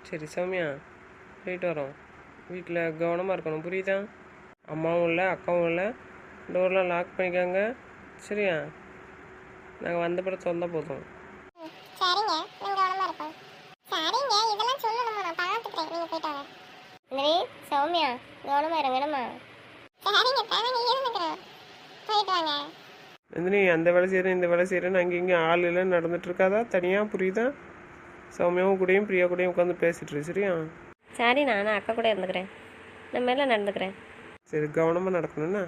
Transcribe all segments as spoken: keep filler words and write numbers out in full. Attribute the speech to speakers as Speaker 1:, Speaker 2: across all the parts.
Speaker 1: சரி சௌமியா, போயிட்டு வரோம். வீட்டில் கவனமாக இருக்கணும், புரியுதா? அம்மாவும் இல்லை அக்காவும் இல்லை, டோர்லாம் லாக் பண்ணிக்காங்க. சரியா? நாங்கள் வந்த பிறகு சொந்த போதும்.
Speaker 2: ம், சரிங்க, நான் கவனமா இருப்போம். சரிங்க, இதெல்லாம் சொல்லணுமா? நான் பார்த்துக்கிறேன், நீங்க போயிட்டு வாங்க. நந்தினி, சௌமியா, கவனமா இருங்க என்னம்மா. சரிங்க, தானே இருந்துக்கிறேன், போயிட்டு வாங்க.
Speaker 1: நந்தினி, அந்த வேலை செய்கிறேன் இந்த வேலை செய்கிறேன்னு அங்கே இங்கே ஆள் இல்லைன்னு நடந்துட்டு இருக்காதா? தனியாக, புரியுதா? சௌமியாவும் கூடயும் பிரியா கூடயும் உட்காந்து பேசிட்டு இரு, சரியா?
Speaker 3: சரி, நான் அக்கா கூட இருந்துக்கிறேன், நான் மேலே நடந்துக்கிறேன்.
Speaker 1: சரி, கவனமாக நடக்கணும்ண்ணா.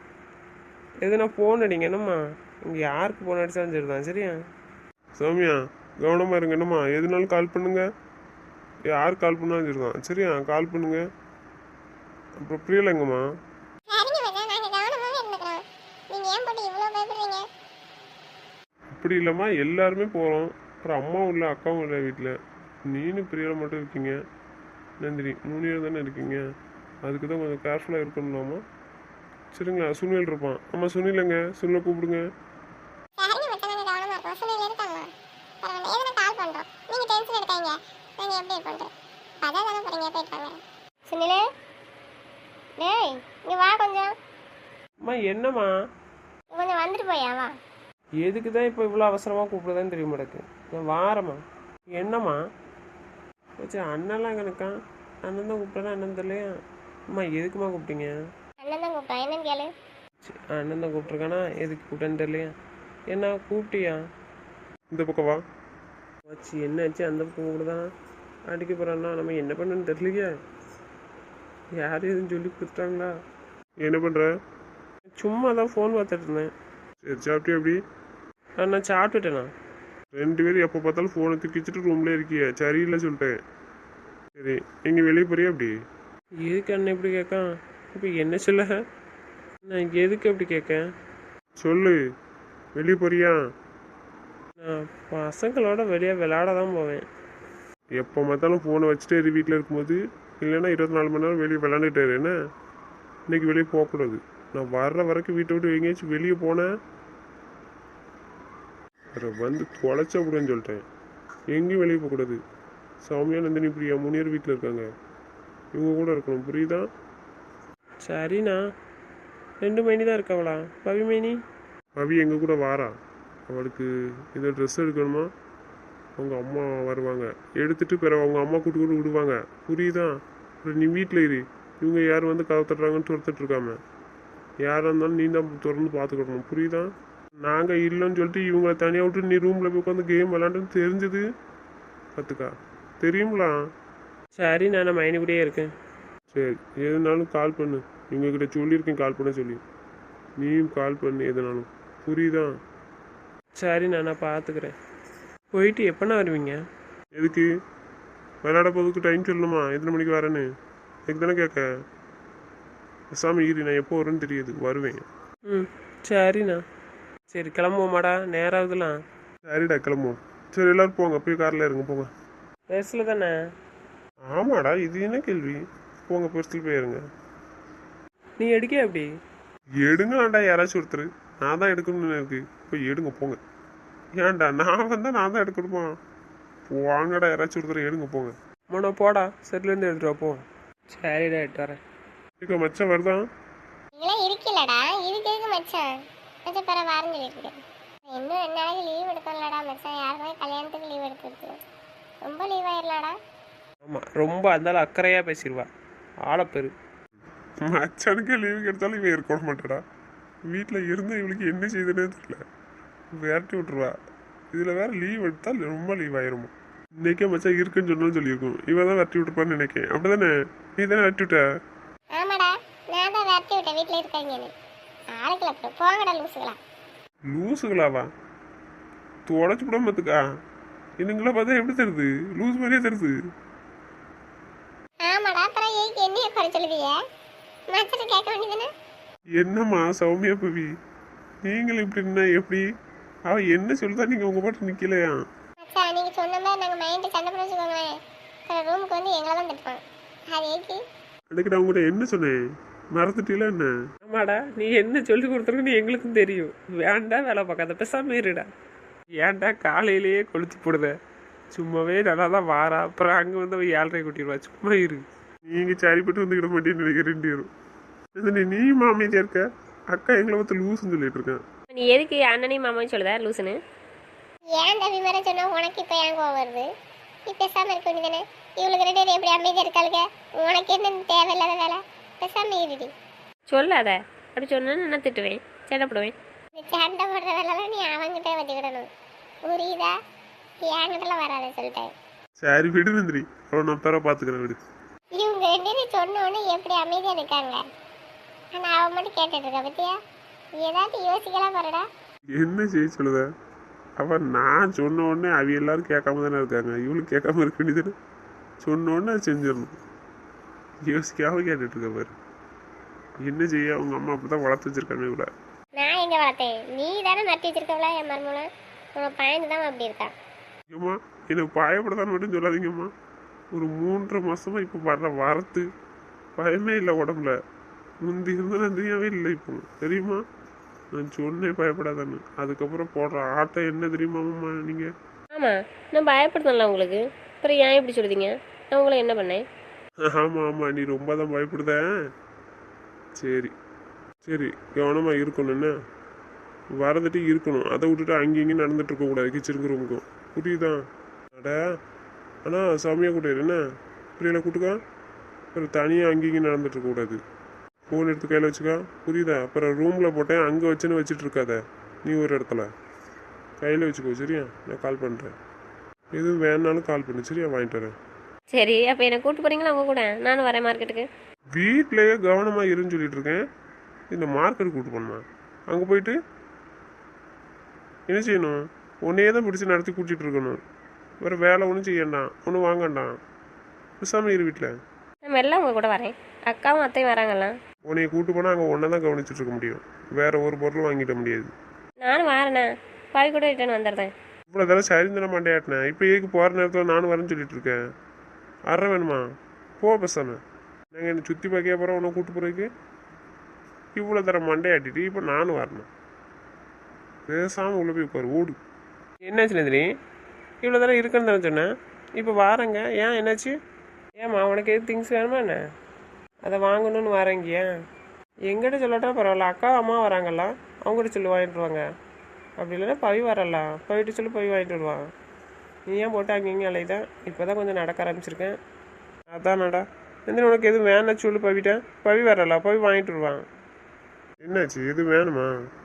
Speaker 1: எதுனா ஃபோன் அடிங்க என்னம்மா, இங்கே யாருக்கு ஃபோன் அடித்தாலும் சரி தான், சரியா?
Speaker 4: சௌமியா, கவனமாக இருங்க என்னம்மா. எதுனாலும் கால் பண்ணுங்க, யார் கால் பண்ணாலும் சரி தான், சரியா? கால் பண்ணுங்க. அப்புறம் பிரியலைங்கம்மா.
Speaker 2: சரிங்க மச்சான், நாங்க கவனமாவே இருந்துக்கிறோம். நீங்க ஏன் போட்டு இவ்வளவு பயப்படுறீங்க?
Speaker 4: அப்படி இல்லைம்மா, எல்லாருமே போகிறோம். அப்புறம் அம்மாவும் இல்லை அக்காவும் இல்லை வீட்டில். நீனும் பிரியலை மட்டும் இருக்கீங்க. நந்தினி மூணு பேர் தானே இருக்கீங்க. அதுக்கு தான் கொஞ்சம் கேர்ஃபுல்லாக இருக்கணும்லாமா. சரிங்களா? சுனில் இருப்பான். ஆமாம், சுனிலங்க, சுனிலை கூப்பிடுங்க.
Speaker 2: சரிங்க மச்சான், நாங்க கவனமா இருக்கோம். சுனில் இருக்காங்களா? பரவாயில்ல, எதுனா கால் பண்றோம். நீங்க டென்ஷன் எடுக்காதீங்க, நாங்க எப்படி பண்றோம். அதான் தானே போறீங்க, போயிட்டு வாங்க. சுனிலே, டேய் இங்க வா கொஞ்சம்.
Speaker 1: அம்மா என்னம்மா?
Speaker 2: கொஞ்சம் வந்துட்டு போயா வா.
Speaker 1: எதுக்கு தான் இப்போ இவ்வளோ அவசரமாக கூப்பிடுதான்னு தெரிய மாட்டேக்கு. நான் வாரம்மா. என்னம்மா வச்சு அண்ணன்லாம் கணக்கா? அண்ணன் தான் கூப்பிட்டேன்னா அண்ணன் தெரியலையா? அம்மா எதுக்குமா கூப்பிட்டீங்க?
Speaker 2: அண்ணன் தான் கூப்பிட்டான், என்னன்னு கேளு.
Speaker 1: சரி, அண்ணன் தான் கூப்பிட்ருக்கானா? எதுக்கு கூப்பிட்டேன்னு தெரியலையா? என்ன கூப்பிட்டியா?
Speaker 4: இந்த பக்கம் வா.
Speaker 1: வச்சு என்னாச்சு? அந்த பக்கம் கூப்பிடுதான் அடிக்க போகிறான்னா நம்ம என்ன பண்ணுன்னு தெரியலையே. யார் எதுவும் சொல்லி கொடுத்துட்டாங்களா?
Speaker 4: என்ன பண்ணுற?
Speaker 1: சும்மா தான் ஃபோன் பார்த்துட்டு இருந்தேன்.
Speaker 4: சரி, சாப்பிட்டியா? எப்படி
Speaker 1: ஆ, நான் சாப்பிட்டுட்டேண்ணா.
Speaker 4: ரெண்டு பேரும் எப்போ பார்த்தாலும் ஃபோனை தூக்கி வச்சுட்டு ரூம்லேயே இருக்கிய. சரியில்லை சொல்லிட்டேன். சரி, எங்கே வெளியே போறியா? அப்படி
Speaker 1: எதுக்கு அண்ணன் இப்படி கேட்கான்? இப்போ என்ன சொல்ல? நான் எதுக்கு அப்படி கேட்கேன்?
Speaker 4: சொல்லு, வெளியே போறியா?
Speaker 1: நான் பசங்களோட வெளியே விளையாட தான் போவேன்.
Speaker 4: எப்போ பார்த்தாலும் ஃபோனை வச்சுட்டு இரு வீட்டில் இருக்கும்போது. இல்லைன்னா இருபத்தி நாலு மணி நேரம் வெளியே விளாண்டுட்டாரு. என்ன இன்னைக்கு வெளியே போகக்கூடாது. நான் வர்ற வரைக்கும் வீட்டை விட்டு எங்கேயாச்சும் வெளியே போனேன் வந்து தொலைச்ச விடுன்னு சொல்லிட்டேன். எங்கேயும் வெளியே போகக்கூடாது. சௌமியா, நந்தினி, பிரியா மூணு பேர் வீட்டில் இருக்காங்க. இவங்க கூட இருக்கணும், புரியுதா?
Speaker 1: சரிண்ணா. ரெண்டு மைனி தான் இருக்காவளா? பவி மைனி
Speaker 4: அவி எங்கள் கூட வாரா. அவளுக்கு ஏதோ ட்ரெஸ் எடுக்கணுமா. அவங்க அம்மா வருவாங்க, எடுத்துட்டு பிறகு அவங்க அம்மா கூட்டு கூட விடுவாங்க, புரியுதா? அப்புறம் நீ வீட்டில் இரு. இவங்க யார் வந்து கதை தட்டுறாங்கன்னு துரத்துட்டு இருக்காம. யாராக இருந்தாலும் நீ தான் திறந்து பார்த்துக்கிடணும், புரியுதா? நாங்கள் இல்லைன்னு சொல்லிட்டு இவங்களை தனியாக விட்டு நீ ரூமில் போய் உட்காந்து கேம் விளாண்டுன்னு தெரிஞ்சது கற்றுக்கா, தெரியுங்களா?
Speaker 1: சரி, நான் மைனி கூடயே இருக்கேன்.
Speaker 4: சரி, எதுனாலும் கால் பண்ணு. இவங்ககிட்ட சொல்லியிருக்கேன் கால் பண்ண சொல்லி. நீயும் கால் பண்ணு எதுனாலும், புரியுதா?
Speaker 1: சரி, நான் பார்த்துக்கிறேன். போயிட்டு எப்போண்ணா வருவீங்க?
Speaker 4: எதுக்கு? விளையாட போதுக்கு டைம் சொல்லணுமா? எத்தனை மணிக்கு வரேன்னு எனக்கு தானே கேட்க. சாமி ஈரி, நான் எப்போ வரேன்னு தெரியுது, வருவேன்.
Speaker 1: ம், சரிண்ணா. சரி, கிளம்புவோமாடா, நேரம் ஆகுதுலாம்.
Speaker 4: சரிடா, கிளம்புவோம். சரி, எல்லோரும் போங்க, போய் காரில் இருங்க, போங்க.
Speaker 1: பெருசில் தானே?
Speaker 4: ஆமாடா, இது என்ன கேள்வி? போங்க, பெருசில் போயிருங்க.
Speaker 1: நீ எடுக்க அப்படி
Speaker 4: எடுங்களாண்டா, யாராச்சும் ஒருத்தர். நான் தான் எடுக்கணும்னு இருக்கு, போய் எடுங்க போங்க. ஏன்டா நான் வந்தால் நான் தான் எடுக்கணுமா? வாங்கடா, யாராச்சும் ஒருத்தர் எடுங்க போங்க.
Speaker 1: மோனோ போடா, செட்லேருந்து எடுத்துட்டு வா, போ. சரிடா, எடுத்து வரேன்.
Speaker 4: இப்போ மச்சான் வருதான்?
Speaker 2: நீங்களாம் இருக்கலடா, இதுக்கு எதுக்கு மச்சான்? மச்சான் பிற வாரம் சொல்லியிருக்கேன். இன்னும் ரெண்டு நாளைக்கு லீவ் எடுக்கலடா மச்சான். யாருக்குமே கல்யாணத்துக்கு லீவ் எடுத்துருக்கு. ரொம்ப லீவ் ஆயிடலாடா.
Speaker 1: ஆமாம், ரொம்ப அந்தாலும் அக்கறையாக பேசிடுவா. ஆளப்பெரு.
Speaker 4: மச்சானுக்கே லீவு கிடைச்சாலும் இவன் இருக்க மாட்டேடா. வீட்டில் இருந்து இவளுக்கு என்ன செய்யுதுன்னே தெரியல, விரட்டி விட்டுருவா. இதில் வேற லீவ் எடுத்தால் ரொம்ப லீவ் ஆயிருமா. இன்னைக்கே மச்சான் இருக்குன்னு சொன்னாலும் சொல்லியிருக்கும். இவன் தான் விரட்டி விட்டுருப்பான்னு நினைக்கேன். அப்படி தானே? நீ தானே விரட்டி விட்ட?
Speaker 2: ஆமாடா, நான் தான் விரட்டி விட்டேன் வீட்டில் இருக்காங்கன்னு. ஆளுக்களை அப்புறம் போங்கடா லூசுகளா.
Speaker 4: லூசுகளாவா? தொடச்சு விட மாத்துக்கா. இன்னுங்களா பார்த்தா எப்படி தருது? லூஸ் மாதிரியே தருது.
Speaker 2: ஆமாடா, அப்புறம் ஏக்கு என்னைய குறை சொல்லுவீங்க? மச்சனை கேட்க வேண்டியதுன்னு.
Speaker 4: என்னம்மா சௌமியா பவி, நீங்களும் இப்படி இருந்தா எப்படி? அவ என்ன சொல்லுதா நீங்க உங்க பாட்டு நிக்கலையா?
Speaker 2: மச்சான், நீங்க சொன்ன மாதிரி நாங்கள் மைண்டு சண்டை பண்ண வச்சுக்கோங்களேன். அப்புறம் ரூமுக்கு வந்து எங்களை தான் திட்டுவாங்க. அது ஏக்கு?
Speaker 4: அதுக்கு நான் உங்கள்கிட்ட என்ன சொன்னேன், மறந்துட்டீங்களா என்ன?
Speaker 1: ஆமாடா, நீ என்ன சொல்லி கொடுத்துருக்குன்னு எங்களுக்கும் தெரியும். வேண்டாம் வேலை பார்க்காத, பேசாம இருடா. ஏன்டா காலையிலேயே கொளுத்தி போடுத?
Speaker 4: சும்மாவே நல்லா தான் வாரா, அப்புறம் அங்கே வந்து அவள் ஏழரை கூட்டிடுவா. சும்மா இரு, நீங்கள் சரிப்பட்டு வந்துக்கிட மாட்டேன்னு நினைக்கிறேன் ரெண்டு பேரும். நந்தினி நீ மாமியாக இருக்க, அக்கா எங்களை பார்த்து லூசுன்னு சொல்லிட்டு இருக்கேன்.
Speaker 3: நீ எதுக்கு அண்ணனையும் மாமாவும் சொல்லுதா லூசுன்னு?
Speaker 2: ஏன் தம்பி மாதிரி சொன்னா உனக்கு இப்போ ஏன் கோவம் வருது? நீ பேசாமல் இருக்க வேண்டியதானே? இவளுக்கு ரெண்டு பேரும் எப்படி அமைதியாக இருக்காளுங்க? உனக்கு என்ன தேவையில்லாத வேலை? பேசாமல் இருடி.
Speaker 3: சொல்லாத, அப்படி சொன்னா நான் திட்டுவேன், சேட்டப்படுவேன்.
Speaker 2: இந்த சண்டை போடுற வேலைலாம் நீ அவங்ககிட்ட வச்சுக்கிடணும், புரியுதா? என்கிட்டலாம் வராத சொல்லிட்டேன்.
Speaker 4: சரி விடு நந்தினி, அவளை நான் பேர பார்த்துக்கிறேன் விடு.
Speaker 2: இவங்க ரெண்டு பேரும் சொன்ன உடனே எப்படி அமைதியாக இருக்காங்க. ஆனால் அவன் மட்டும் கேட்டுட்டு இருக்கா பத்தியா? ஏதாவது யோசிக்கலாம் பாருடா.
Speaker 4: என்ன செய்ய சொல்லுத? அவன் நான் சொன்ன உடனே அவ எல்லாரும் கேட்காம தானே இருக்காங்க, இவளும் கேட்காம இருக்க வேண்டியது. சொன்ன உடனே அது செஞ்சிடணும், யோசிக்காம கேட்டுட்டு இருக்க பாரு. என்ன செய்ய, அவங்க அம்மா அப்படி தான் வளர்த்து வச்சிருக்காங்க இவளை.
Speaker 2: நான் எங்கே வளர்த்தேன்? நீ தானே நட்டி வச்சிருக்கவளா என் மருமூலம்? உன் பையன் தான் அப்படி இருக்கான்.
Speaker 4: ஏம்மா எனக்கு பயப்படதான் மட்டும் சொல்லாதீங்கம்மா. ஒரு மூன்றரை மாசமா இப்போ வர்ற வரத்து பயமே இல்லை உடம்புல. முந்தி இருந்த நந்தினியாவே இல்லை இப்போ, தெரியுமா? நான் சொன்னேன் பயப்படாதான்னு. அதுக்கப்புறம் போடுற ஆட்டம் என்ன தெரியுமாம்மா நீங்கள்?
Speaker 3: ஆமாம், நான் பயப்படுத்தல உங்களுக்கு, அப்புறம் ஏன் இப்படி சொல்லுதீங்க? நான் உங்களை என்ன பண்ணேன்?
Speaker 4: ஆமாம் ஆமாம், நீ ரொம்ப தான் பயப்படுத. சரி சரி, கவனமாக இருக்கணும். என்ன வரதுட்டு இருக்கணும், அதை விட்டுட்டு அங்கேயும் இங்கேயும் நடந்துட்டு இருக்கக்கூடாது கிச்சனுக்கு ரூமுக்கும், புரியுதா? அட ஆனால் சாமியாக கூட்டாரு என்ன புரியல, கூட்டுக்கா. அப்புறம் தனியாக அங்கேயும் இங்கேயும் நடந்துட்டு இருக்கக்கூடாது. ஃபோன் எடுத்து கையில் வச்சுக்கா, புரியுதா? அப்புறம் ரூமில் போட்டேன் அங்கே வச்சுன்னு வச்சுட்டு இருக்காத, நீ ஒரு இடத்துல கையில் வச்சுக்கோ, சரியா? நான் கால் பண்ணுறேன், எதுவும் வேணாலும் கால் பண்ணு, சரியா? வாங்கிட்டு வரேன்.
Speaker 3: சரி, அப்போ என்னை கூப்பிட்டு போகிறீங்களா அவங்க கூட? நானும் வரேன் மார்க்கெட்டுக்கு.
Speaker 4: வீட்டிலேயே கவனமாக இருன்னு சொல்லிட்டு இருக்கேன், இந்த மார்க்கெட் கூப்பிட்டு போகணுமா? அங்கே போயிட்டு என்ன செய்யணும்? உன்னையே தான் பிடிச்சி நடத்தி கூட்டிகிட்டு இருக்கணும், வேறு வேலை ஒன்றும் செய்யண்டாம், ஒன்றும் வாங்கண்டாம், பேசாமல் இரு வீட்டில்.
Speaker 3: நம்ம எல்லாம் உங்கள் கூட வரேன், அக்காவும் அத்தையும் வராங்கல்லாம்.
Speaker 4: உன்னைய கூட்டு போனால் அங்கே ஒன்றை தான் கவனிச்சுட்டு இருக்க முடியும், வேற ஒரு பொருளும் வாங்கிட முடியாது.
Speaker 3: நானும் வரேண்ணா, பாவி கூட ரிட்டர்ன் வந்துடுறேன்.
Speaker 4: இவ்வளோ தடவை சரி தர மாட்டேன். இப்போ ஏக்கு போகிற நேரத்தில் நானும் வரேன்னு சொல்லிட்டு இருக்கேன். அற வேணுமா? போ பேசாமல். நாங்கள் என்னை சுற்றி பார்க்க போகிறோம், உன்னை கூட்டு போகிறதுக்கு இவ்வளோ தர மண்டையாட்டிட்டு இப்போ நானும் வரணும். பேசாமல் உள்ள போய் உட்காரு, ஓடு.
Speaker 1: என்னாச்சு நந்தினி? இவ்வளோ தடவை இருக்குன்னு தானே சொன்னேன், இப்போ வாரேங்க. ஏன் என்னாச்சு? ஏம்மா உனக்கு எது திங்ஸ் வேணுமா என்ன? அதை வாங்கணும்னு வரேங்கியா? எங்கிட்ட சொல்லட்டா பரவாயில்ல, அக்கா அம்மா வராங்கல்ல, அவங்ககிட்ட சொல்லி வாங்கிட்டு வாங்க. அப்படி இல்லைன்னா பவி வரலாம், போயிட்டு சொல்லி போய் வாங்கிட்டு வருவான். நீ ஏன் போட்டு அங்கே இங்கே அலையுதான்? இப்போ தான் கொஞ்சம் நடக்க ஆரம்பிச்சிருக்கேன். அதானடா நந்தினி, உனக்கு எதுவும் வேணா சொல்லி பவிட்டேன், பவி வரலாம், போய் வாங்கிட்டு வருவான்.
Speaker 4: என்னாச்சு, எது வேணுமா?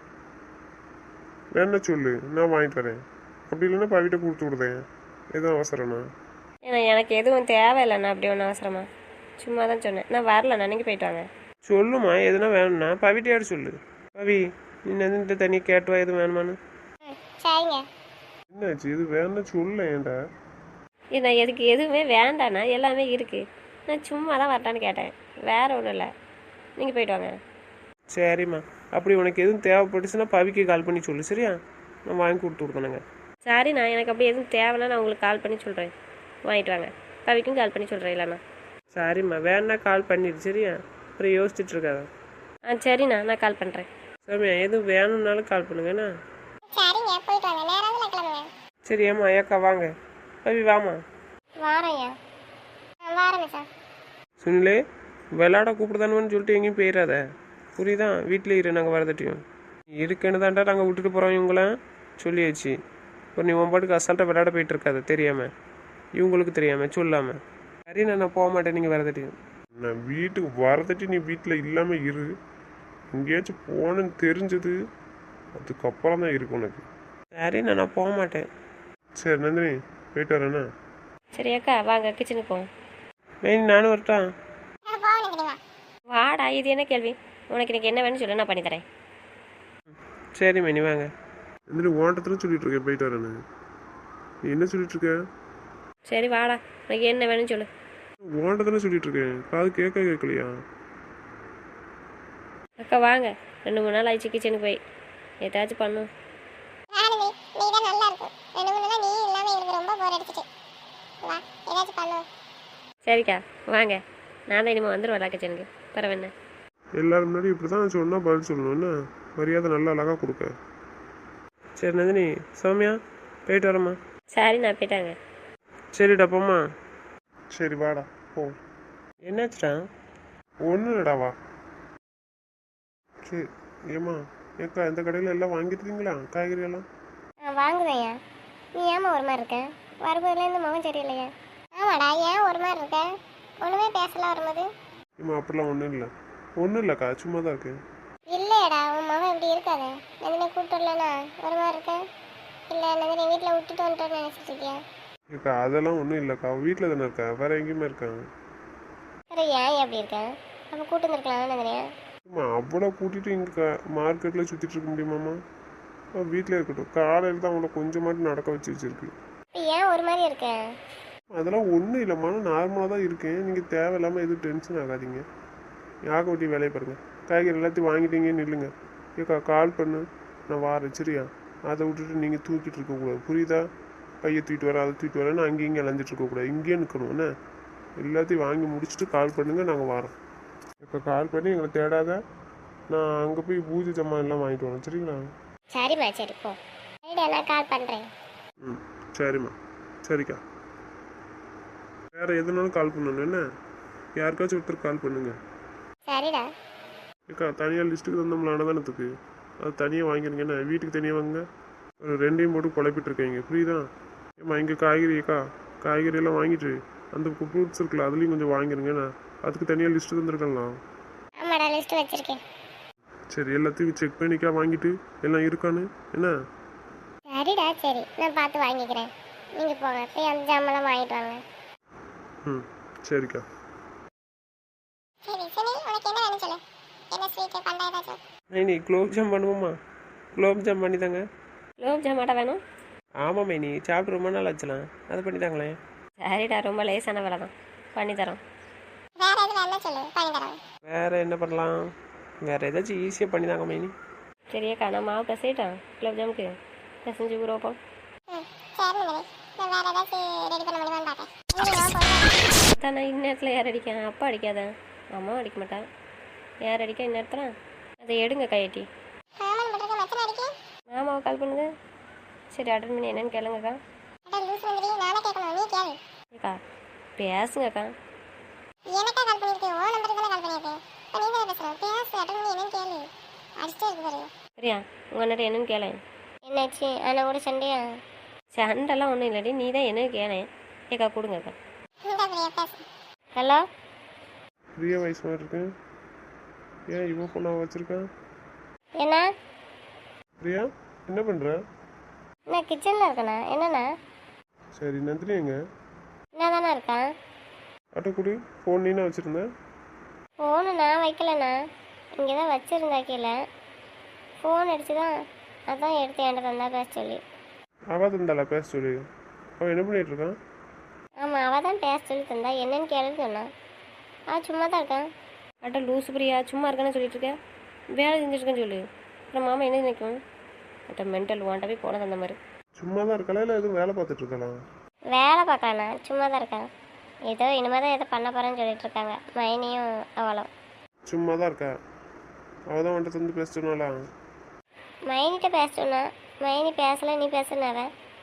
Speaker 4: வேணா சொல்லு, நான் வாங்கிட்டு வரேன். அப்படி இல்லைன்னா பவிட்ட கொடுத்து விடுதேன், எதுவும் அவசரம்ண்ணா.
Speaker 3: ஏன்னா எனக்கு எதுவும் தேவையில்லைண்ணா, அப்படி ஒன்றும் அவசரமா, சும்மா தான் சொன்னேன். நான் வரலண்ணா, நீங்கள் போயிட்டு வாங்க.
Speaker 1: சொல்லுமா, எதுனா வேணும்னா பவிட்டையாடு சொல்லு. பவி நீ நந்தினிட்ட தனியாக கேட்டுவா எதுவும் வேணுமான்னு.
Speaker 2: ம் சரிங்க.
Speaker 4: என்னாச்சு, இது வேணா சொல்ல ஏன்டா?
Speaker 3: ஏன்னா எதுக்கு எதுவுமே வேண்டாண்ணா, எல்லாமே இருக்குது. நான் சும்மா தான் வரட்டான்னு கேட்டேன், வேற ஒன்றும் இல்லை. நீங்கள் போயிட்டு வாங்க.
Speaker 1: சரிம்மா, அப்படி உனக்கு எதுவும் தேவைப்பட்டுச்சுன்னா பவிக்கு கால் பண்ணி சொல்லு, சரியா? நான் வாங்கி கொடுத்து விடுதானுங்க.
Speaker 3: சரி, நான் எனக்கு அப்படி எதுவும் தேவைன்னா நான் உங்களுக்கு கால் பண்ணி சொல்கிறேன், வாங்கிட்டு வாங்க. பவிக்கும் கால் பண்ணி சொல்கிறேன் இல்லைண்ணா.
Speaker 1: சரிம்மா, வேணா கால் பண்ணிடு, சரியா? அப்புறம் யோசிச்சுட்டு இருக்காத.
Speaker 3: ஆ சரிண்ணா, நான் கால் பண்ணுறேன்.
Speaker 1: சாமியா எதுவும் வேணும்னாலும் கால் பண்ணுங்கண்ணா.
Speaker 2: சரிங்க, போயிட்டு வாங்க, நேராக கிளம்புங்க.
Speaker 1: சரி ஏம்மா ஏக்கா வாங்க. பவி வாமா.
Speaker 2: வாரேங்க. ஆ வாரேங்க சார்.
Speaker 1: சுனிலே, விளாட கூப்பிடுதானுன்னு சொல்லிட்டு எங்கேயும் போயிடாத, புரியுதா? வீட்டில் இரு, நாங்கள் வரதட்டியும் இருக்குன்னு தான்டா நாங்கள் விட்டுட்டு போகிறோம் இவங்களாம் சொல்லியாச்சு. இப்போ நீ உன் பாட்டுக்கு அசால்ட்டாக விளையாட போயிட்டு இருக்காத, தெரியாமல், இவங்களுக்கு தெரியாமல் சொல்லாமல். சரி நான் போக மாட்டேன், நீங்கள் வரதட்டியும்.
Speaker 4: நான் வீட்டுக்கு வரதட்டி நீ வீட்டில் இல்லாமல் இரு, எங்கேயாச்சும் போனேன்னு தெரிஞ்சது அதுக்கப்புறம் தான் இருக்கு உனக்கு.
Speaker 1: சரி நான் போக மாட்டேன்.
Speaker 4: சரி நந்தினி, போயிட்டு வரேண்ணா.
Speaker 3: சரி அக்கா, வாங்க கிச்சனுக்கு போவோம்.
Speaker 1: மெயின் நானும் வரட்டான்.
Speaker 2: நான் போகணும் தெரியுமா?
Speaker 3: வாடா, இது என்ன கேள்வி? உனக்கு எனக்கு என்ன வேணும்னு சொல்லு, நான் பண்ணித்தரேன்.
Speaker 1: சரி மெனி வாங்க.
Speaker 4: நந்தினி ஓட்டத்தில் சொல்லிட்டு இருக்கேன் போயிட்டு வரேன்னு, நீ என்ன சொல்லிட்டு இருக்க?
Speaker 3: சரி வாடா, உனக்கு என்ன வேணும்னு சொல்லு.
Speaker 4: ஓட்டத்தில் சொல்லிட்டு இருக்கேன், காது கேட்க கேட்கலையா?
Speaker 3: அக்கா வாங்க, ரெண்டு மூணு நாள் ஆயிடுச்சு கிச்சனுக்கு போய், ஏதாச்சும் பண்ணும்.
Speaker 2: ராணுவி, நீ தான் நல்லா இருக்கும். ரெண்டு மூணு நாள் நீ இல்லாமல் எனக்கு ரொம்ப போர் அடிச்சிட்டு. வா, ஏதாச்சும் பண்ணுவோம்.
Speaker 3: சரிக்கா வாங்க, நான் தான் இனிமேல் வந்துடுவேன் கிச்சனுக்கு, பரவாயில்ல.
Speaker 4: எல்லாரும் முன்னாடி இப்படி தான் சொன்னால் பதில் சொல்லணும், என்ன மரியாதை நல்லா அழகாக கொடுக்க.
Speaker 1: சரி நந்தினி, சௌமியா போயிட்டு வரேம்மா.
Speaker 3: சரி நான் போயிட்டாங்க.
Speaker 1: சரிடா போம்மா.
Speaker 4: சரி வாடா போ.
Speaker 1: என்னாச்சுடா?
Speaker 4: ஒன்றும் இல்லைடா வா. சரி ஏம்மா ஏக்கா இந்த கடையில் எல்லாம் வாங்கிட்டுருக்கீங்களா காய்கறி எல்லாம்?
Speaker 2: ஆ வாங்குதையா. நீ ஏமா ஒரு மாதிரி இருக்க? வரும்போதுலேருந்து முகம் சரியில்லையா? ஆமாடா, ஏன் ஒரு மாதிரி இருக்க? ஒன்றுமே பேசலாம் வரும்போது.
Speaker 4: ஏம்மா அப்படிலாம் ஒன்றும் இல்லை. ஒன்றும் இல்லைக்கா சும்மா தான் இருக்கேன்.
Speaker 2: இல்லையடா, உன் முகம் இப்படி இருக்காது. நந்தினி கூப்பிட்டு வரலனா ஒரு மாதிரி இருக்க? இல்லை நந்தினி வீட்டில் விட்டுட்டு வந்துட்டோன்னு நினச்சிட்டு இருக்கியா?
Speaker 4: ஏக்கா அதெல்லாம் ஒன்றும் இல்லைக்கா வீட்டில் தானே இருக்கேன் வேறு எங்கேயுமே இருக்காங்க.
Speaker 2: சரி, ஏன் எப்படி இருக்கேன்? அப்போ கூட்டு வந்துருக்கலாம் நந்தினியா?
Speaker 4: அம்மா அவ்வளோ கூட்டிகிட்டு இங்கே மார்க்கெட்டில் சுற்றிட்டு இருக்க முடியுமாம்மா? வீட்டில் இருக்கட்டும். காலையில் தான் அவங்கள கொஞ்சமாட்டு நடக்க வச்சு வச்சுருக்கு.
Speaker 2: இப்போ ஏன் ஒரு மாதிரி இருக்க?
Speaker 4: அதெல்லாம் ஒன்றும் இல்லைம்மா நார்மலாக தான் இருக்கேன். நீங்கள் தேவையில்லாமல் எதுவும் டென்ஷன் ஆகாதீங்க. யாக ஒட்டி வேலையை பாருங்கள். காய்கறி எல்லாத்தையும் வாங்கிட்டீங்க நில்லுங்க. ஏக்கா கால் பண்ணு நான் வாரேன் சரியா? அதை விட்டுட்டு நீங்கள் தூக்கிட்டு இருக்கக்கூடாது புரியுதா? பையை தூக்கிட்டு வரேன் அதை தூக்கிட்டு வரேன்னு அங்கேயும் இங்கே இழந்துட்டு இருக்கக்கூடாது. இங்கேயே நிற்கணும் என்ன? எல்லாத்தையும் வாங்கி முடிச்சுட்டு கால் பண்ணுங்கள் நாங்கள் வரோம். இப்போ கால் பண்ணி எங்களை தேடாத. நான் அங்கே போய் பூஜை ஜாமான் எல்லாம் வாங்கிட்டு வரேன் சரிங்களா?
Speaker 2: சரிம்மா, சரி போ. சரிடா, நான் கால் பண்ணுறேன்.
Speaker 4: ம் சரிம்மா. சரிக்கா வேறு எதுனாலும் கால் பண்ணணும் என்ன? யாருக்காச்சும் ஒருத்தர் கால் பண்ணுங்க.
Speaker 2: சரிடா.
Speaker 4: ஏக்கா தனியாக லிஸ்ட்டுக்கு தந்தோம்ல அன்னதானத்துக்கு அது தனியாக வாங்கிருங்க என்ன? வீட்டுக்கு தனியாக வாங்க. ஒரு ரெண்டையும் போட்டு குழப்பிட்டு இருக்கீங்க புரியுதா? ஏம்மா இங்கே காய்கறி ஏக்கா காய்கறி எல்லாம் வாங்கிட்டு அந்த ஃப்ரூட்ஸ் இருக்குல்ல அதுலேயும் கொஞ்சம் வாங்கிருங்க என்ன? அதுக்கு தனியாக லிஸ்ட்டு தந்துருக்கலாம்.
Speaker 2: ஆமாடா, லிஸ்ட்டு வச்சுருக்கேன்.
Speaker 4: சரி எல்லாத்தையும் செக் பண்ணிக்கா வாங்கிட்டு எல்லாம் இருக்கான்னு என்ன?
Speaker 2: சரிடா, சரி நான் பார்த்து வாங்கிக்கிறேன். நீங்கள் போங்க போய் அந்த ஜாமெல்லாம் வாங்கிட்டு வாங்க.
Speaker 4: ம் சரிக்கா.
Speaker 2: சரி சரி, உனக்கு என்ன வேணும் சொல்லு. என்ன ஸ்வீட்டு பண்ண ஏதாச்சும்?
Speaker 1: மைனி குலோப் ஜாம் பண்ணுவோம்மா. குலோப் ஜாம் பண்ணி தாங்க.
Speaker 3: குலோப் ஜாமாட்டா வேணும்?
Speaker 1: ஆமாம் மைனி சாப்பிட்டு ரொம்ப நாள் ஆச்சுலாம். அது பண்ணி தாங்களேன்.
Speaker 3: சரிடா, ரொம்ப லேசான வேலை தான், பண்ணித்தரோம்.
Speaker 2: வேற எது வேணும் சொல்லு, பண்ணி தரோம்.
Speaker 1: வேறு என்ன பண்ணலாம்? வேறு ஏதாச்சும் ஈஸியாக பண்ணி தாங்க மைனி.
Speaker 3: சரியாக்கா, நான் மாவு பிசையிட்டேன் குலோப் ஜாமுக்கு. பிசைஞ்சு ஊற வைப்போம்.
Speaker 2: ம் சரி நந்தினி, நான் வேற ஏதாச்சும் ரெடி பண்ண முடியுமான்னு பார்ப்பேன். நந்தினி, நான் போகிறேன்.
Speaker 3: தான் நான் இந்நேரத்தில் யார் அடிக்கேன்? அப்பா அடிக்காத, அம்மாவும் அடிக்க மாட்டேன். யார் அடிக்க இந்நேரத்தில்? அதை எடுங்க கையட்டி.
Speaker 2: ஆமாம் பண்ணுறது மச்சனை அடிக்கி.
Speaker 3: மாமாவை கால் பண்ணுங்க. சரி அட்டன் பண்ணி என்னன்னு கேளுங்கக்கா.
Speaker 2: அட லூஸ் நந்தினி, நானே கேட்கணும், நீ கேளு.
Speaker 3: ஏக்கா பேசுங்கக்கா.
Speaker 2: எனக்கா கால் பண்ணியிருக்கு? ஓ நம்பருக்கு தானே கால் பண்ணியிருக்கு. இப்போ நீ தானே பேசுகிறேன். பேசு, அட்டன் பண்ணி என்னன்னு கேளு. அடிச்சுட்டே இருக்கு பாரு.
Speaker 3: சரியா, உங்கள் அண்ணன் என்னன்னு கேளேன்.
Speaker 2: என்னாச்சு? ஆனால் கூட சண்டையா?
Speaker 3: சண்டெல்லாம் ஒன்றும் இல்லடி, நீ தான் என்னன்னு கேளேன். ஏக்கா கொடுங்கக்கா.
Speaker 2: இந்த பிரியா பேசு.
Speaker 3: ஹலோ,
Speaker 4: பிரியா வயசு மாதிரி இருக்கேன். ஏன் இவன் ஃபோனாக வச்சுருக்கேன்?
Speaker 2: என்ன?
Speaker 4: பிரியா என்ன பண்ணுற?
Speaker 2: நான் கிச்சனில் இருக்கேண்ணா. என்னண்ணா?
Speaker 4: சரி நந்தினி எங்க?
Speaker 2: என்ன தானே இருக்கான்?
Speaker 4: அட்டைக்குடி ஃபோன் நீனா வச்சுருந்தேன்.
Speaker 2: ஃபோனு நான் வைக்கலண்ணா, இங்கே தான் வச்சுருந்தா கீழே. ஃபோன் அடிச்சு தான், அதான் எடுத்து என்கிட்ட தந்தா பேச சொல்லி.
Speaker 4: அவள் தந்தாளா பேச சொல்லி? அவன் என்ன பண்ணிட்டு இருக்கான்?
Speaker 2: ஆமாம், அவள் தான் பேச சொல்லி தந்தா. என்னன்னு கேளுன்னு சொன்னான். ஆ சும்மா தான் இருக்கான்.
Speaker 3: அட்ட லூசு பிரியா, சும்மா இருக்கானே சொல்லிட்டு இருக்கேன். வேலை செஞ்சுருக்கேன்னு சொல்லு. அப்புறம் மாமா என்ன நினைக்கும்? அட்ட மென்டல் வாண்ட போய் போனது அந்த மாதிரி.
Speaker 4: சும்மா தான் இருக்கலாம் இல்லை எதுவும் வேலை பார்த்துட்டு இருக்கலாம்?
Speaker 2: வேலை பார்க்கலண்ணா, சும்மா தான் இருக்கான். ஏதோ இனிமேல் தான் ஏதோ பண்ண போகிறேன்னு சொல்லிட்டு இருக்காங்க மைனியும் அவளும்.
Speaker 4: சும்மா தான் இருக்கா? அவள் தான் வந்துட்டு தந்து பேச சொன்னாளா?
Speaker 2: மைனிட்ட பேச சொன்னா. மைனி பேசலை, நீ பேசுனாவ.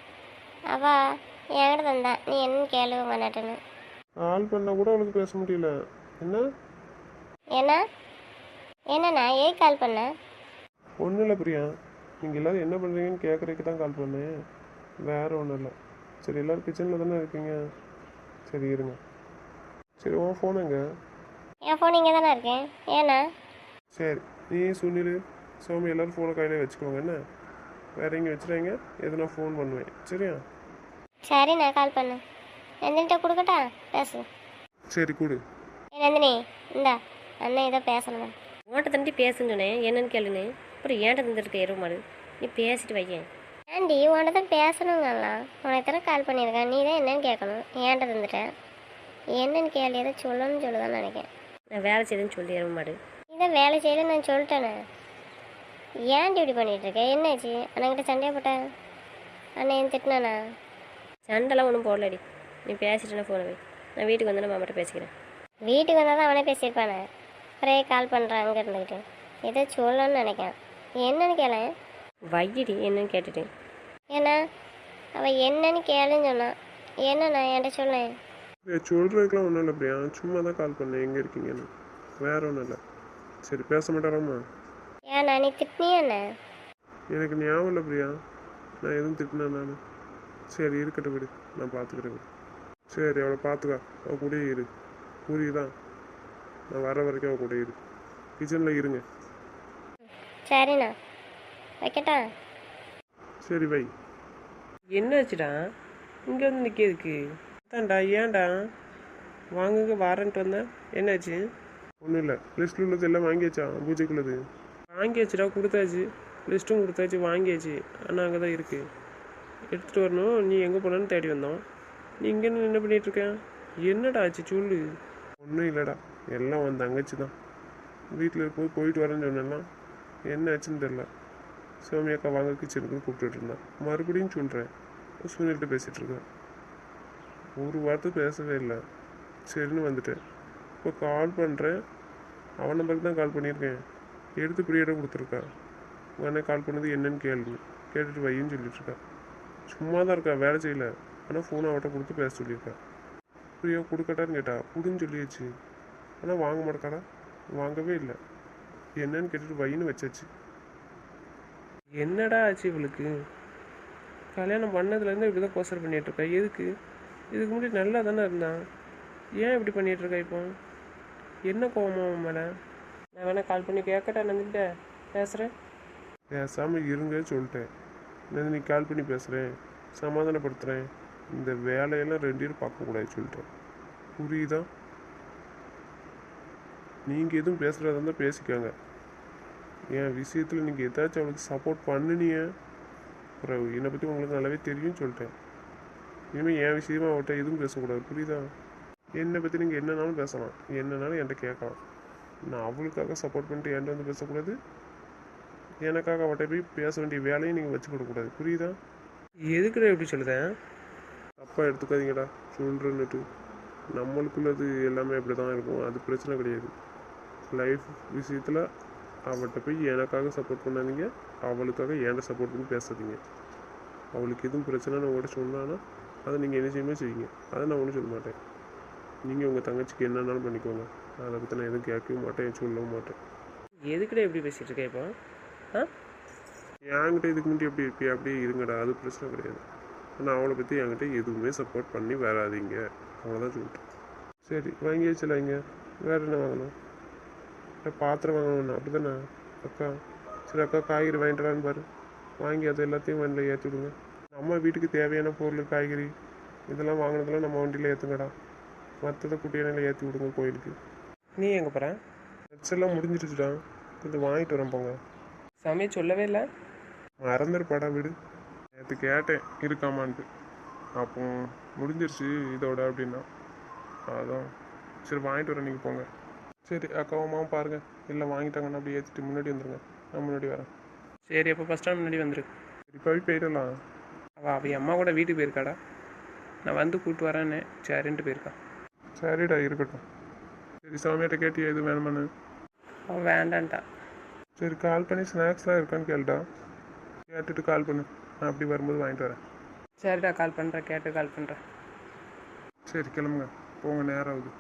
Speaker 2: அவள் என்கிட்ட தந்தா, நீ என்னன்னு கேளு உங்கள் அண்ணாட்டுன்னு.
Speaker 4: ஆள் பண்ணால் கூட அவளுக்கு பேச முடியல என்ன?
Speaker 2: ஏன்னா என்னண்ணா, ஏன் கால் பண்ண?
Speaker 4: ஒன்றும் இல்லை பிரியா, நீங்கள் எல்லோரும் என்ன பண்ணுறீங்கன்னு கேட்குறதுக்கு தான் கால் பண்ணேன். வேறு ஒன்றும் இல்லை. சரி எல்லோரும் கிச்சனில் தானே இருக்கீங்க? சரி இருங்க. சரி உன் ஃபோன் எங்க?
Speaker 2: என் ஃபோன் இங்கே தானே இருக்கேன். ஏண்ணா?
Speaker 4: சரி நீ சுனில் சோமி எல்லோரும் ஃபோனை கையில் வச்சுக்கோங்க என்ன? வேறு எங்கே வச்சுறாங்க எதுனா ஃபோன் பண்ணுவேன் சரியா?
Speaker 2: சரி, நான் கால் பண்ணு. நந்தினிட்ட கொடுக்கட்டா? பேசு.
Speaker 4: சரி கொடு.
Speaker 2: ஏ நந்தினி, இந்தா அண்ணன் ஏதோ பேசணும்.
Speaker 3: உன்கிட்ட தண்டி பேசுன்னு சொன்னேன், என்னன்னு கேளுன்னு. அப்புறம் ஏன்ட்ட தந்துருக்க எருவு மாடு. நீ பேசிட்டு வையேன்.
Speaker 2: ஆண்டி, உன்கிட்ட தான் பேசணுங்கலாம். உனக்கு தானே கால் பண்ணியிருக்கேன். நீ தான் என்னன்னு கேட்கணும். ஏன்ட்ட தந்துட்டேன். என்னன்னு கேள்வி ஏதோ சொல்லணும்னு சொல்லுதான்னு நினைக்கிறேன்.
Speaker 3: நான் வேலை செய்யுதுன்னு சொல்லி எருவு மாடு.
Speaker 2: நீ தான் வேலை செய்யல நான் சொல்லிட்டேனே. ஏன்டி இப்படி பண்ணிகிட்டு இருக்கேன்? என்னாச்சு? அண்ணன்கிட்ட சண்டையாக போட்டேன்? அண்ணன் ஏன் திட்டினானா?
Speaker 3: சண்டைலாம் ஒன்றும் போடலடி. நீ பேசிட்டுனா ஃபோனை வை. நான் வீட்டுக்கு வந்து நான் மாமாட்ட பேசிக்கிறேன்.
Speaker 2: வீட்டுக்கு வந்தால் தான் அவனே பேசியிருப்பானே. அப்புறம் கால் பண்ணுறான் அங்கே இருந்துக்கிட்டு. ஏதோ சொல்லணும்னு நினைக்கிறேன். என்னன்னு கேளேன்.
Speaker 3: வையடி என்னன்னு கேட்டுட்டேன்.
Speaker 2: ஏன்னா அவள் என்னன்னு கேளுன்னு சொன்னான். என்னண்ணா என்கிட்ட சொல்லேன்.
Speaker 4: சொல்கிறதுக்கெலாம் ஒன்றும் இல்லை பிரியா, சும்மா தான் கால் பண்ணேன் எங்கே இருக்கீங்கன்னு, வேற ஒன்றும் இல்லை. சரி பேச மாட்டாராம்மா?
Speaker 2: ஏண்ணா நீ திட்டினியாண்ணே?
Speaker 4: எனக்கு ஞாபகம் இல்லை பிரியா, நான் எதுவும் திட்டினேன் நான். சரி இருக்கட்டும் விடு, நான் பார்த்துக்கிறேன் விடு. சரி அவளை பார்த்துக்கா, அவள் கூடயே இரு, புரியுதா? நான் வர வரைக்கும் அவள் கூட இரு, கிச்சனில் இருங்க.
Speaker 2: சரிண்ணா வைக்கட்டா?
Speaker 4: சரி வை.
Speaker 1: என்னாச்சுடா இங்கே வந்து நிற்கிறதுக்கு? தான்டா ஏன்டா வாங்குங்க வாரன்ட்டு வந்தேன், என்னாச்சு?
Speaker 4: ஒன்றும் இல்லை, லிஸ்ட்டில் உள்ளது எல்லாம் வாங்கியாச்சா பூஜைக்குள்ளது?
Speaker 1: வாங்கியாச்சுடா, கொடுத்தாச்சு, லிஸ்ட்டும் கொடுத்தாச்சு, வாங்கியாச்சு. ஆனால் அங்கே தான் இருக்குது, எடுத்துகிட்டு வரணும். நீ எங்கே போனான்னு தேடி வந்தோம், நீ இங்கே என்ன பண்ணிகிட்ருக்க? என்னடா ஆச்சு சொல்லு.
Speaker 4: ஒன்றும் இல்லைடா, எல்லாம் உன் தங்கச்சி தான். வீட்டில் இருக்கும்போது போயிட்டு வரேன்னு சொன்னேன்னா என்ன ஆச்சுன்னு தெரில. சோமியாக்கா வாங்க கிச்சனுக்குன்னு கூப்பிட்டுட்டு இருந்தான். மறுபடியும் சொல்கிறேன், சுனில்கிட்ட பேசிகிட்டு இருக்கேன். ஒரு வார்த்தை பேசவே இல்லை. சரின்னு வந்துட்டேன். இப்போ கால் பண்ணுறேன், அவன் நம்பருக்கு தான் கால் பண்ணியிருக்கேன். எடுத்து பிரியாட கொடுத்துருக்கா. உடனே கால் பண்ணது என்னன்னு கேள்வி கேட்டுட்டு வையின்னு சொல்லிட்டுருக்கா. சும்மா தான் இருக்கா, வேலை செய்யலை. ஆனால் ஃபோனை அவட்ட கொடுத்து பேச சொல்லியிருக்கா. பிரியா கொடுக்கட்டான்னு கேட்டா, கொடுன்னு சொல்லியாச்சு. ஆனால் வாங்க மாட்டேக்காடா, வாங்கவே இல்லை. என்னன்னு கேட்டுட்டு வையின்னு வச்சாச்சு.
Speaker 1: என்னடா ஆச்சு இவளுக்கு? கல்யாணம் பண்ணதுலேருந்து இப்படி தான் கோசர் பண்ணிகிட்ருக்கா. எதுக்கு? இதுக்கு முன்னாடி நல்லா தானே இருந்தான், ஏன் இப்படி பண்ணிகிட்ருக்கா இப்போ? என்ன கோவமா அவன் மேலே? நான் வேணா கால் பண்ணி கேட்கட்டா, நந்திட்ட பேசுகிறேன்.
Speaker 4: பேசாமல் இருங்க சொல்லிட்டேன். நான் நீ கால் பண்ணி பேசுகிறேன், சமாதானப்படுத்துகிறேன். இந்த வேலையெல்லாம் ரெண்டு பேரும் பார்க்கக்கூடாது சொல்லிட்டேன். புரியுதா? நீங்கள் எதுவும் பேசுகிறதா இருந்தால் பேசிக்காங்க. என் விஷயத்தில் நீங்கள் ஏதாச்சும் அவளுக்கு சப்போர்ட் பண்ணினிய அப்புறம் என்னை பற்றி உங்களுக்கு நல்லாவே தெரியும்னு சொல்லிட்டேன். இனிமேல் என் விஷயமா அவள்கிட்ட எதுவும் பேசக்கூடாது, புரியுதா? என்னை பற்றி நீங்கள் என்னன்னாலும் பேசலாம், என்னன்னாலும் என்கிட்ட கேட்கலாம். நான் அவளுக்காக சப்போர்ட் பண்ணிட்டு என்கிட்ட வந்து பேசக்கூடாது, எனக்காக அவட்ட போய் பேச வேண்டிய வேலையும் நீங்கள் வச்சு கொடுக்கக்கூடாது, புரியுதா?
Speaker 1: எதுக்குடா இப்படி சொல்லுதேன்?
Speaker 4: தப்பாக எடுத்துக்காதீங்கடா சொல்கிறேன்னுட்டு. நம்மளுக்குள்ளது எல்லாமே அப்படி தான் இருக்கும், அது பிரச்சனை கிடையாது. லைஃப் விஷயத்தில் அவள்கிட்ட போய் எனக்காக சப்போர்ட் பண்ணாதீங்க, அவளுக்காக என்கிட்ட சப்போர்ட் பண்ணி பேசாதீங்க. அவளுக்கு எதுவும் பிரச்சனைன்னு உங்கள்கிட்ட சொன்னான்னா அதை நீங்கள் என்ன செய்யுமே செய்யுங்க, அதை நான் ஒன்றும் சொல்ல மாட்டேன். நீங்கள் உங்கள் தங்கச்சிக்கு என்னன்னாலும் பண்ணிக்கோங்க, அதை பற்றி நான் எதுவும் கேட்கவும் மாட்டேன், சொல்லவும் மாட்டேன்.
Speaker 1: எதுக்குடா எப்படி பேசிகிட்டு இருக்கேன் இப்போ? ஆ
Speaker 4: என்கிட்ட இதுக்கு முன்னாடி எப்படி இருப்பியா அப்படியே இருங்கடா, அது பிரச்சனை கிடையாது. ஆனால் அவளை பற்றி என்கிட்ட எதுவுமே சப்போர்ட் பண்ணி வராதிங்க, அவ்வளோதான் சொல்லிட்டேன். சரி வாங்கி வச்சுலாங்க, வேறு என்ன வாங்கணும்? இல்லை பாத்திரம் வாங்கணும்ண்ணா அப்படி தானே அக்கா? சரி அக்கா காய்கறி வாங்கிட்டுறான்னு பாரு, வாங்கி அதை எல்லாத்தையும் வண்டியில் ஏற்றி விடுங்க. நம்ம வீட்டுக்கு தேவையான பொருள் காய்கறி இதெல்லாம் வாங்கினதெல்லாம் நம்ம வண்டியில் ஏற்றுங்கடா, மற்றதை குட்டியானையில் ஏற்றி விடுங்க கோயிலுக்கு.
Speaker 1: நீ எங்கே போகிற?
Speaker 4: நட்ஸ் எல்லாம் முடிஞ்சிருச்சுடா, கொஞ்சம் வாங்கிட்டு வரேன் போங்க.
Speaker 1: சாமியை சொல்லவே இல்லை.
Speaker 4: மறந்துருப்பாடா விடு, நேற்று கேட்டேன் இருக்காமான்ட்டு, அப்போ முடிஞ்சிருச்சு இதோட அப்படின்னா அதான். சரி வாங்கிட்டு வரேன், நீங்கள் போங்க. சரி அக்காவும் அம்மாவும் பாருங்கள், இல்லை வாங்கிட்டாங்கன்னா அப்படி ஏற்றிட்டு முன்னாடி வந்துடுங்க, நான் முன்னாடி வரேன்.
Speaker 1: சரி அப்போ ஃபஸ்ட் டைம் முன்னாடி வந்துரு.
Speaker 4: இப்போவே போயிடலாம்.
Speaker 1: அவள் அவள் அம்மா கூட வீட்டுக்கு போயிருக்காடா, நான் வந்து கூப்பிட்டு வரேன்னு சரின்ட்டு போயிருக்கான்.
Speaker 4: சரிடா இருக்கட்டும். சரி சாமியாட்ட கேட்டியா எது வேணுமான்னு?
Speaker 1: அவள் வேண்டான்ட்டா.
Speaker 4: சரி கால் பண்ணி ஸ்நாக்ஸ்லாம் இருக்கான்னு கேளுடா, கேட்டுட்டு கால் பண்ணு, நான் அப்படி வரும்போது வாங்கிட்டு வரேன்.
Speaker 1: சரிடா கால் பண்ணுறேன், கேட்டு கால் பண்ணுறேன்.
Speaker 4: சரி கிளம்புங்க போங்க, நேரம் ஆகுது.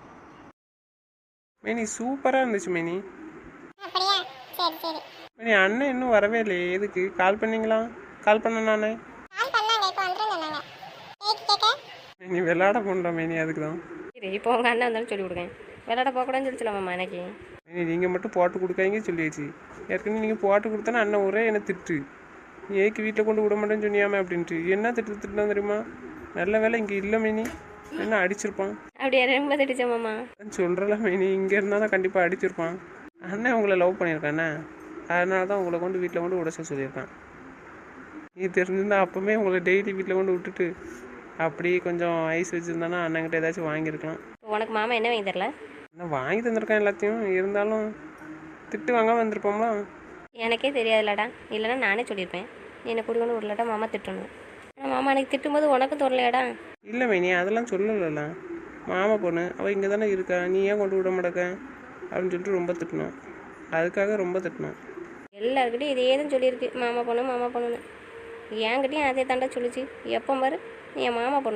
Speaker 1: மேனி சூப்பராக இருந்துச்சு மேனி.
Speaker 2: அப்படியா? சரி சரி.
Speaker 1: மேனி அண்ணன் இன்னும் வரவே இல்லையே, எதுக்கு கால் பண்ணீங்களா? கால் பண்ண நானே.
Speaker 2: கால் பண்ணாங்க, இப்போ வந்துருங்க சொன்னாங்க. ஏக்கு கேட்க?
Speaker 1: மேனி விளையாட போன்றோம் மேனி, அதுக்கு தான்.
Speaker 3: சரி இப்போ உங்கள் அண்ணன் வந்தாலும் சொல்லி கொடுங்க, விளையாட போகக்கூடாதுன்னு சொல்லிச்சலாமாம்மா எனக்கு.
Speaker 1: மேனி நீங்கள் மட்டும் போட்டு கொடுக்காதீங்க சொல்லியாச்சு. ஏற்கனவே நீங்கள் போட்டு கொடுத்தானே அண்ணன் ஒரே என்னை திட்டு, நீ ஏக்கு வீட்டில் கொண்டு விட மாட்டேன்னு சொன்னியாமே அப்படின்ட்டு. என்ன திட்டு திட்டுனா தெரியுமா? நல்ல வேலை இங்கே இல்லை மேனி, என்ன அடிச்சிருப்பான்.
Speaker 3: அப்படியே ரொம்ப திட்டுச்சோம்மாம்மா.
Speaker 1: சொல்கிறல மேனி, இங்கே இருந்தால் தான் கண்டிப்பாக அடிச்சிருப்பான். அண்ணன் உங்களை லவ் பண்ணியிருக்கானே, அதனால தான் உங்களை கொண்டு வீட்டில் கொண்டு உடச்ச சொல்லியிருக்கான். நீ தெரிஞ்சிருந்தா அப்போவே உங்களை டெய்லி வீட்டில் கொண்டு விட்டுட்டு அப்படி கொஞ்சம் ஐஸ் வச்சுருந்தானா அண்ணங்கிட்ட ஏதாச்சும் வாங்கியிருக்கலாம்.
Speaker 3: உனக்கு மாமா என்ன வாங்கி தரல?
Speaker 1: நான் வாங்கி தந்திருக்கேன் எல்லாத்தையும், இருந்தாலும் திட்டு வாங்காமல் வந்திருப்போம்ல.
Speaker 3: எனக்கே தெரியாதுல்லடா, இல்லைன்னா நானே சொல்லியிருப்பேன். நீ என்னை கூடி கொண்டு விடலடா மாமா திட்டணும். ஆனால் மாமா எனக்கு திட்டும்போது உனக்கும் தோறலையாடா?
Speaker 1: இல்லை மேனி அதெல்லாம் சொல்லலைல்ல, மாமா பொண்ணு அவள் இங்கே தானே இருக்கா, நீ ஏன் கொண்டு விட மாட்டேக்க அப்படின்னு சொல்லிட்டு ரொம்ப திட்டணும், அதுக்காக ரொம்ப திட்டணும்.
Speaker 3: எல்லாருக்கிட்டையும் இதே தான் சொல்லியிருக்கு, மாமா பொண்ணு மாமா பொண்ணுன்னு. என்கிட்டையும் அதே தாண்டா சொல்லிச்சு. எப்போ பாரு நீ என் மாமா பொண்ணலாம்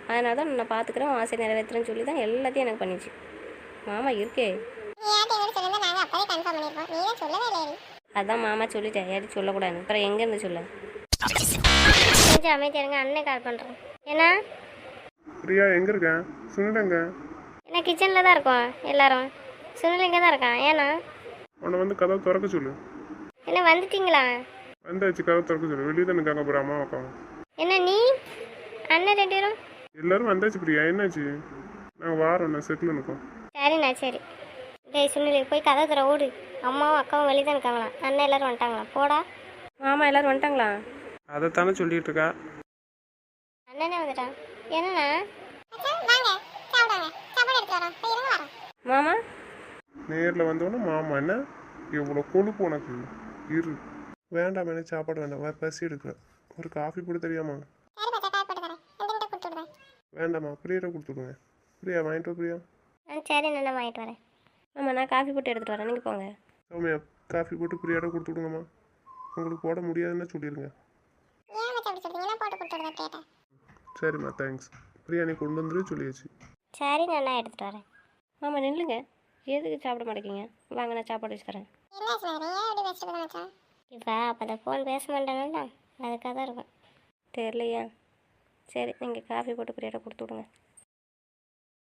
Speaker 3: அதனால தான் நான் பார்த்துக்கிறேன் ஆசை நிறைவேற்றுறேன்னு சொல்லி தான் எல்லாத்தையும் எனக்கு பண்ணிச்சு. மாமா இருக்கே.
Speaker 2: நீ யார்கிட்ட எங்கிட்ட சொல்லியிருந்தா நாங்கள் அப்போதே கன்ஃபார்ம் பண்ணியிருப்போம். நீ தான் சொல்லவே இல்லை.
Speaker 3: அதான் மாமா சொல்லிட்டேன், யாரும் சொல்லக்கூடாது. அப்புறம் எங்கேருந்து சொல்ல?
Speaker 2: கொஞ்சம் அமைதியாக இருங்க, அண்ணன் கால் பண்ணுறோம். ஏன்னா
Speaker 4: பிரியா எங்கே இருக்கேன்? சுனிலங்க.
Speaker 2: என்ன கிச்சனில் தான் இருக்கோம் எல்லாரும். சுனில் இங்கே தான் இருக்கான். ஏன்னா
Speaker 4: அவனை வந்து கதவை திறக்க சொல்லு.
Speaker 2: என்ன வந்துட்டீங்களா?
Speaker 4: வந்தாச்சு, கதவை திறக்க சொல்லு. வெளியே தான் இருக்காங்க அப்புறம் அம்மா அக்கா.
Speaker 2: என்ன நீ அண்ணன் ரெண்டு பேரும்?
Speaker 4: எல்லாரும் வந்தாச்சு பிரியா, என்னாச்சு? நாங்கள் வாரோம், நான் செட்டில் இருக்கோம்.
Speaker 2: சரிண்ணா சரி. டேய் சுனில் போய் கதை தர ஓடு. அம்மாவும் அக்காவும் வெளியே தான் இருக்காங்களா? அண்ணன் எல்லாரும் வந்துட்டாங்களா? போடா.
Speaker 3: மாமா எல்லோரும் வந்துட்டாங்களா?
Speaker 1: அதைத்தானே சொல்லிட்டு இருக்கா.
Speaker 2: அண்ணனே வந்துட்டான். என்னண்ணா? வாங்க சாப்பிடுங்க. சாப்பாடு எடுத்து வரோம். போய் இருங்க வரோம்.
Speaker 3: மாமா
Speaker 4: நேரில் வந்தோன்னே மாமா என்ன எவ்வளோ கொழுப்பு உனக்கு. இரு. வேண்டாம், எனக்கு சாப்பாடு வேண்டாம். வா, பசி எடுக்கிறேன். ஒரு காஃபி போட தெரியாமா?
Speaker 2: சரி பச்சா காய் போட்டு தரேன். என்கிட்ட கொடுத்து விடுவேன்.
Speaker 4: வேண்டாம்மா, பிரியாட்ட கொடுத்துடுங்க. பிரியா வாங்கிட்டு வா பிரியா.
Speaker 2: ஆ சரி நான் வாங்கிட்டு வரேன்.
Speaker 3: மாமா நான் காஃபி போட்டு எடுத்துகிட்டு வரேன், நீங்கள் போங்க.
Speaker 4: சௌமியா, காஃபி போட்டு பிரியாட்ட கொடுத்து விடுங்கம்மா. உங்களுக்கு போட முடியாதுன்னு சொல்லிடுங்க.
Speaker 2: ஏன் மச்சா அப்படி சொல்றீங்க? நான் போட்டு கொடுத்து விடுவேன் கேட்டேன்.
Speaker 4: சரிம்மா, தேங்க்ஸ். பிரியா நீ கொண்டு வந்துரு சொல்லியாச்சு.
Speaker 2: சரி நான் எடுத்துகிட்டு வரேன்.
Speaker 3: மாமா நில்லுங்க, எதுக்கு சாப்பிட மாட்டேங்கிங்க? வாங்க நான் சாப்பாடு வச்சு தரேன்.
Speaker 2: என்ன சார் ஏன் அப்படி வச்சுட்டு மச்சான்? இப்போ அப்போ அந்த ஃபோன் பேச மாட்டேன்னா அதுக்காக தான் இருக்கும்.
Speaker 3: தெரியலையா? சரி நீங்கள் காஃபி போட்டு பிரியாட்ட கொடுத்து விடுங்க.